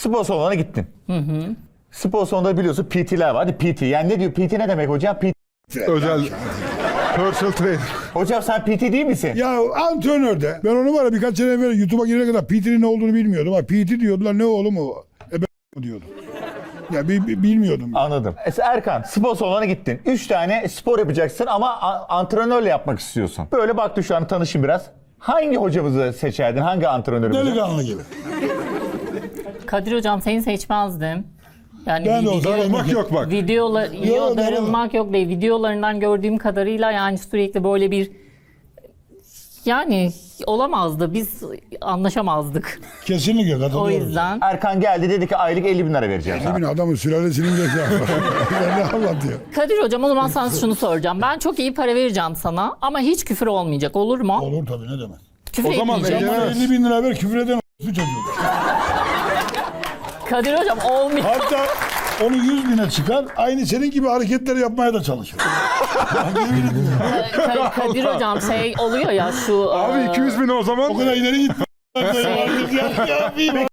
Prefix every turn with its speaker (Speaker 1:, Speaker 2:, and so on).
Speaker 1: spor salonuna gittin. Spor salonunda biliyorsun PT'ler var. Hadi PT. Yani ne diyor? PT ne demek hocam? PT.
Speaker 2: Özel personal trainer.
Speaker 1: Hocam sen PT değil misin?
Speaker 3: Ya antrenör de. Ben onu var ya birkaç sene evvel YouTube'a girene kadar PT'nin ne olduğunu bilmiyordum. Ha, PT diyordular, ne oğlum o? Diyordum. Ya bilmiyordum.
Speaker 1: Anladım. Erkan, spor salonuna gittin. 3 tane spor yapacaksın ama antrenörle yapmak istiyorsun. Böyle baktın, şu an tanışın biraz. Hangi hocamızı seçerdin? Hangi antrenörümüzü?
Speaker 3: Delikanlı gibi.
Speaker 4: Kadir hocam seni seçmezdim. Yani
Speaker 3: Ben de olsam
Speaker 2: Darılmak yok bak.
Speaker 4: darılmak yok değil. Videolarından gördüğüm kadarıyla yani sürekli böyle bir yani olamazdı. Biz anlaşamazdık.
Speaker 3: Kesinlikle
Speaker 4: O
Speaker 3: katılıyorum.
Speaker 4: yüzden.
Speaker 1: Erkan geldi, dedi ki aylık 50 bin lira vereceğim sana.
Speaker 3: Emin adamın sülalesinin zekası. Ne anlatıyor?
Speaker 4: Kadir hocam o zaman sana şunu soracağım. Ben çok iyi para vereceğim sana ama hiç küfür olmayacak, olur mu?
Speaker 3: Olur tabii, ne demek.
Speaker 4: Küfür
Speaker 2: O zaman
Speaker 4: etmeyeceğim.
Speaker 2: Ege-
Speaker 3: Bana 50 bin lira ver, küfür eden çocuğu.
Speaker 4: Kadir hocam olmuyor.
Speaker 3: Hatta onu 100 bine çıkar, aynı senin gibi hareketleri yapmaya da çalışır.
Speaker 4: Kadir hocam şey oluyor ya şu...
Speaker 2: Abi 200 bin o zaman.
Speaker 3: O kadar ileri gitme.